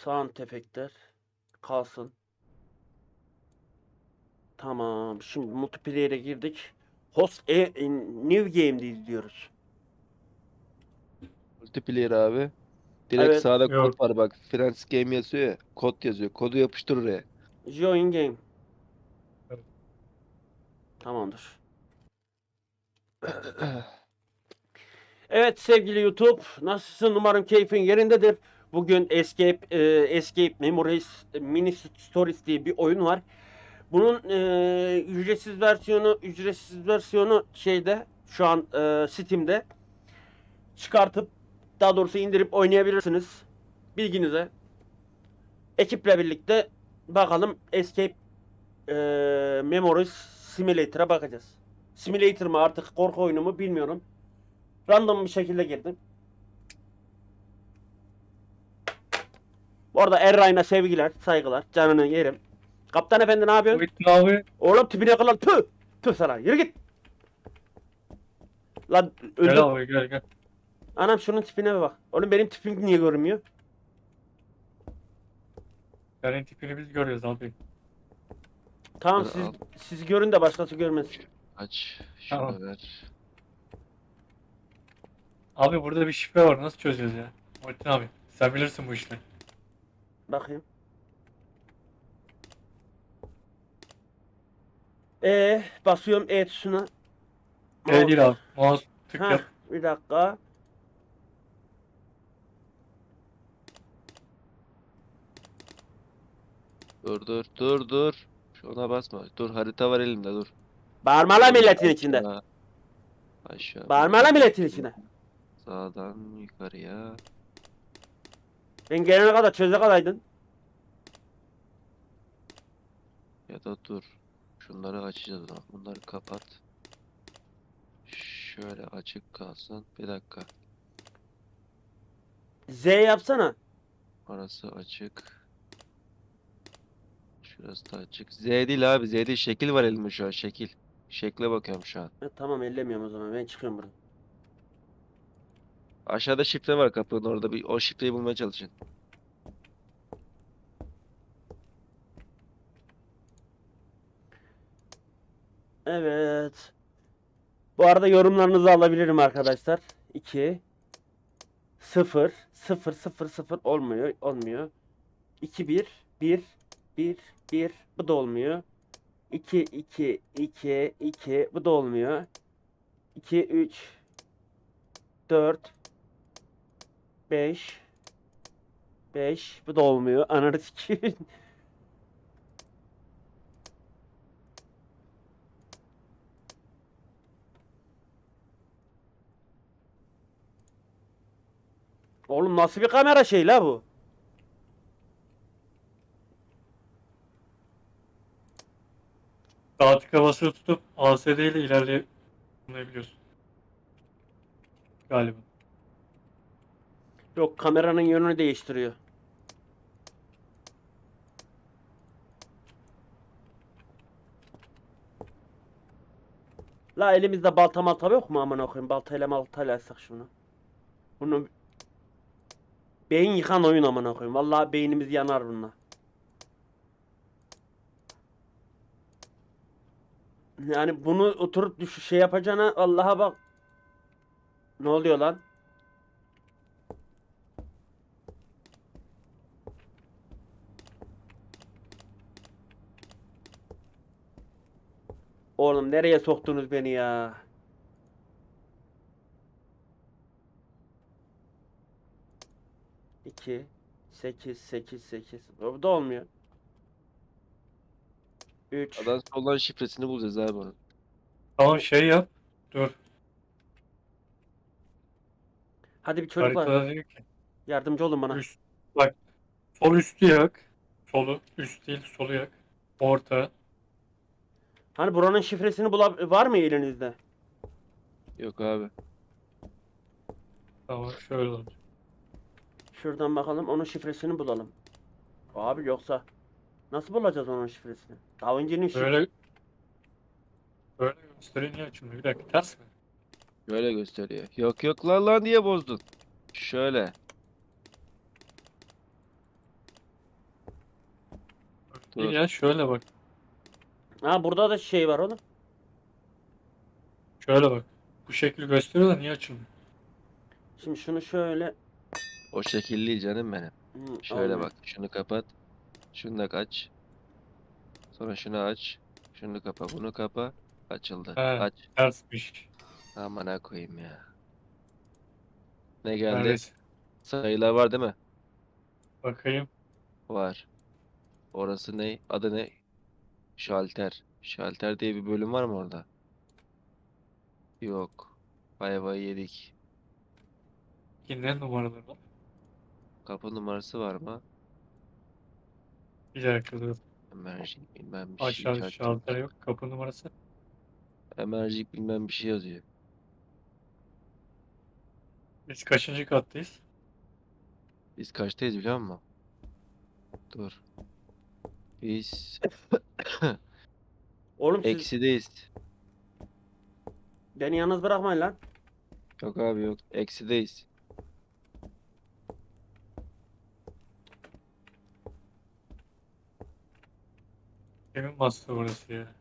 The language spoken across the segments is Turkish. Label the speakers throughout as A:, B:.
A: Sound efektler kalsın. Tamam. Şimdi multiplayer'e girdik. New game'deyiz diyoruz.
B: Multiplayer abi. Direkt
A: Evet.
B: sağda kod
C: Yok.
B: var bak. Friends Game yazıyor ya. Kod yazıyor. Kodu yapıştır oraya.
A: Join game.
C: Evet.
A: Tamamdır. Evet sevgili YouTube, nasılsın? Umarım keyfin yerindedir. Bugün Escape Memories Mini Stories diye bir oyun var. Bunun ücretsiz versiyonu şeyde şu an Steam'de çıkartıp daha doğrusu indirip oynayabilirsiniz. Bilginize. Ekiple birlikte bakalım Escape Memories Simulator'a bakacağız. Simulator mı artık korku oyunu mu bilmiyorum. Random bir şekilde girdim. Bu arada Erray'ına sevgiler, saygılar. Canını yerim. Kaptan efendi ne yapıyorsun?
C: Muhittin abi.
A: Oğlum tipine kılan tüh. Tüh sana yürü git. Lan
C: Gel
A: öldüm.
C: abi gel gel.
A: Anam şunun tipine bir bak. Oğlum benim tipim niye görünmüyor?
C: Senin tipini biz görüyoruz abi.
A: Tamam
B: Bunu al.
A: siz görün de başkası görmesin.
B: Aç.
C: Tamam.
B: Şunu ver.
C: Abi burada bir şifre var. Nasıl çözeceğiz ya? Muhittin abi. Sen bilirsin bu işleri.
A: Bakayım. Basıyorum E tuşuna.
C: E değil abi. Mouse tık
A: Heh,
C: yap.
A: bir dakika.
B: Dur. Şuna basma. Dur harita var elimde dur.
A: Bağırma lan milletin içinde.
B: Aşağı. Aşağı.
A: Bağırma lan milletin içinde.
B: Sağdan yukarıya.
A: Ben gelene kadar çöze kalaydın.
B: Ya da dur. Şunları açacağız o zaman. Bunları kapat. Şöyle açık kalsın. Bir dakika.
A: Z yapsana.
B: Orası açık. Şurası da açık. Z değil abi. Z değil. Şekil var elimde şu an. Şekil. Şekle bakıyorum şu an.
A: Tamam ellemiyorum o zaman. Ben çıkıyorum buradan.
B: Aşağıda şifre var kapının orada. Bir o şifreyi bulmaya çalışın.
A: Evet. Bu arada yorumlarınızı alabilirim arkadaşlar. 2 0 0 0 0 olmuyor. 2 1 1 1 1 bu da olmuyor. 2 2 2 2 bu da olmuyor. 2 3 4 5 5 bu da olmuyor. Ananı sikeyim. Oğlum nasıl bir kamera şey la bu?
C: Sağ tıka basılı tutup ASD ile ilerleyebiliyorsun. Galiba.
A: Yok kameranın yönünü değiştiriyor. La elimizde balta malta yok mu amına koyayım? Baltayla maltayla yapsak şunu. Bunu beyin yıkan oyun amına koyayım. Vallahi beynimiz yanar bununla. Yani bunu oturup şey yapacağına Allah'a bak. Ne oluyor lan? Oğlum nereye soktunuz beni ya? İki, 8 8 8. Bu da olmuyor. 3.
B: Sağdan soldan şifresini bulacağız abi onun.
C: Tamam şey yap. Dur.
A: Hadi bir çocuklar
C: Haritada diyor ki.
A: yardımcı olun bana.
C: Üst. Bak. Sol üstü yak. Solu. Üst değil solu yak. Orta.
A: Hani buranın şifresini var mı elinizde?
B: Yok abi.
C: Tamam şöyle olacak.
A: Şuradan bakalım onun şifresini bulalım. Abi yoksa nasıl bulacağız onun şifresini? Da Vinci'nin
C: Böyle böyle gösteriyor niye açılmıyor? Bir dakika ters mi?
B: Böyle gösteriyor. Yok lan diye bozdun. Şöyle.
C: Değil
B: Dur.
C: ya, şöyle bak.
A: Ha burada da şey var oğlum.
C: Şöyle bak. Bu şekil gösteriyor da niye açılmıyor?
A: Şimdi şunu şöyle
B: O şekilli canım benim. Şöyle
A: olmuyor.
B: bak. Şunu kapat. Şunu da aç. Sonra şunu aç. Şunu kapa. Bunu kapa. Açıldı.
C: He,
B: Aç.
C: tersmiş.
B: Amına koyayım ya. Ne geldi?
C: Neredeyse.
B: Sayılar var değil mi?
C: Bakayım.
B: Var. Orası ne? Adı ne? Şalter. Şalter diye bir bölüm var mı orada? Yok. Bay bay yedik.
C: Yine numaraları var.
B: Kapı numarası var mı?
C: Bir dakika dur.
B: Emerjik bilmem bir şey.
C: Aşağı
B: Çat çut.
C: şalter yok. Kapı numarası.
B: Emerjik bilmem bir şey yazıyor.
C: Biz kaçıncı kattayız?
B: Biz kaçtayız biliyor musun? Dur. Biz
A: Oğlum siz
B: eksideyiz.
A: beni yalnız bırakmayın lan.
B: Yok abi yok. Eksideyiz.
C: Kimin masası burası ya?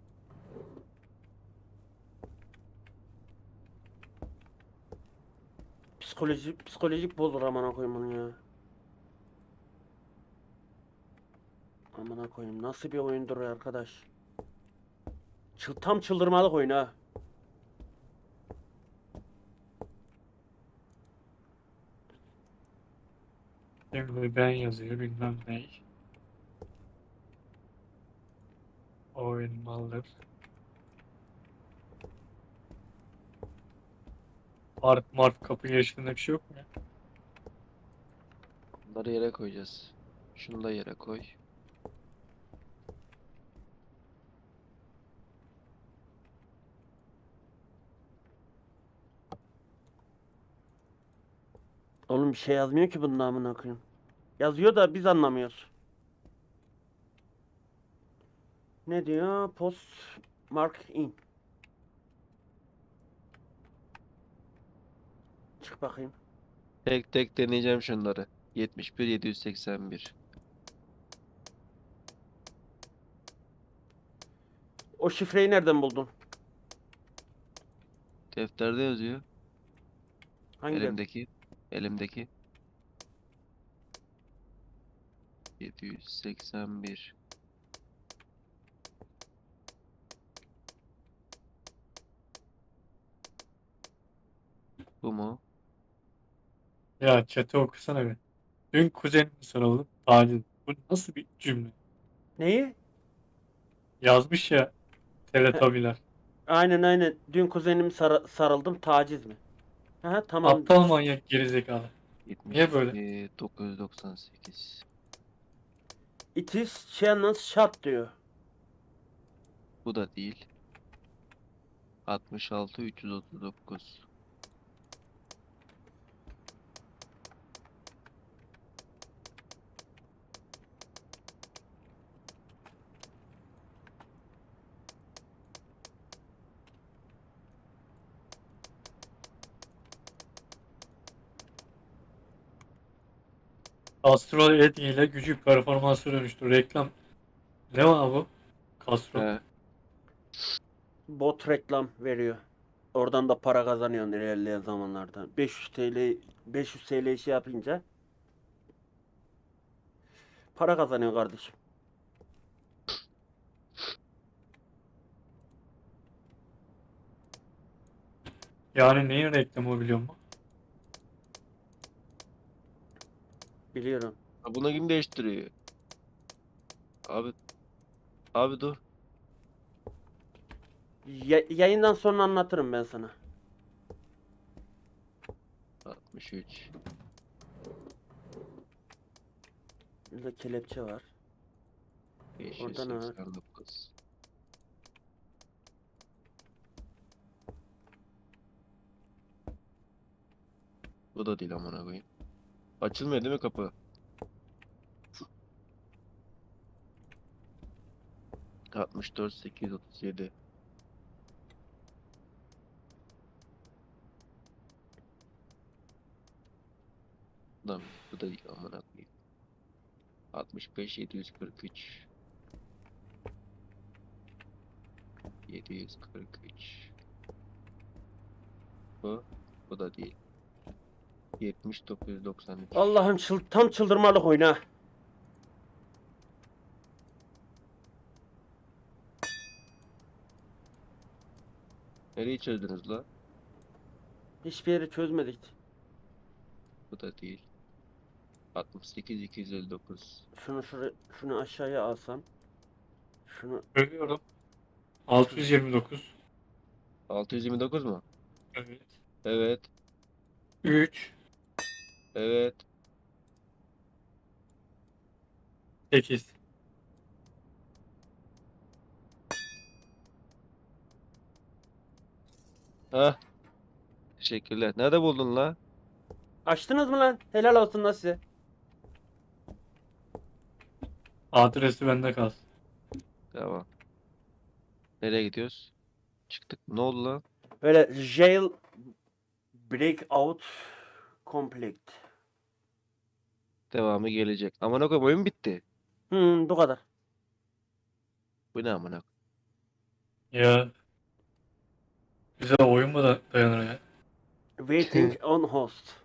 A: Psikolojik bozulur amına koyayım bunu ya. Amına koyayım nasıl bir oyundur ya arkadaş. Tam çıldırmalık oyun ha.
C: Şimdi ben yazıyor bilmem ne. Oyun maldır. Mark kapı girişinde bir şey yok mu ya?
B: Bunları yere koyacağız. Şunu da yere koy.
A: Oğlum bir şey yazmıyor ki bunun amına koyayım. Yazıyor da biz anlamıyoruz. Ne diyor? Post mark in. Çık bakayım.
B: Tek tek deneyeceğim şunları. 71 781.
A: O şifreyi nereden buldun?
B: Defterde yazıyor.
A: Hangi dev?
B: Elimdeki. Elimdeki. 781. Bu mu?
C: Ya chat'i okusana bir. Dün kuzenime sarıldım. Taciz. Bu nasıl bir cümle?
A: Neyi?
C: Yazmış ya
A: He,
C: Teletabiler.
A: aynen. Dün kuzenim sarıldım. Taciz mi? Ha tamam.
C: Aptal manyak gerizekalı. Niye böyle?
B: 72 998.
A: It is challenge shot diyor.
B: Bu da değil. 66 339.
C: Castro Ed ile gücü performansı dönüştü. Reklam. Ne var bu? Castro.
B: He.
A: Bot reklam veriyor. Oradan da para kazanıyorsun ilerleyen zamanlarda. 500 TL işi yapınca para kazanıyor kardeşim.
C: Yani neyin reklamı biliyor musun?
A: Biliyorum.
B: Ha, bunu kim değiştiriyor? Abi abi dur.
A: Yayından sonra anlatırım ben sana.
B: 63.
A: Burada kelepçe var. Orada ne var?
B: 589. Bu da değil amına koyayım. Açılmıyor değil mi kapı? Altmış dört 837. Bu da değil amına koyayım. 65 743. 743. Bu da değil. 7993.
A: Allah'ım tam çıldırmalık oyun ha.
B: Nereyi çözdünüz la?
A: Hiçbir yeri çözmedik.
B: Bu da değil. 68 259.
A: Şunu aşağıya alsam. Şunu
C: Görüyorum. 629.
B: 629 mu?
C: Evet.
B: Evet.
C: 3.
B: Evet.
C: 8.
B: Hah. Teşekkürler. Nerede buldun la?
A: açtınız mı lan? Helal olsun lan size.
C: Adresi bende kalsın.
B: Tamam. Nereye gidiyoruz? Çıktık. Ne oldu lan?
A: Böyle jail breakout complete.
B: Devamı gelecek. Aman koyayım oyun bitti.
A: Bu kadar.
B: Bu ne amına?
C: Ya bize oyun mu da dayanır ya?
A: Waiting on host.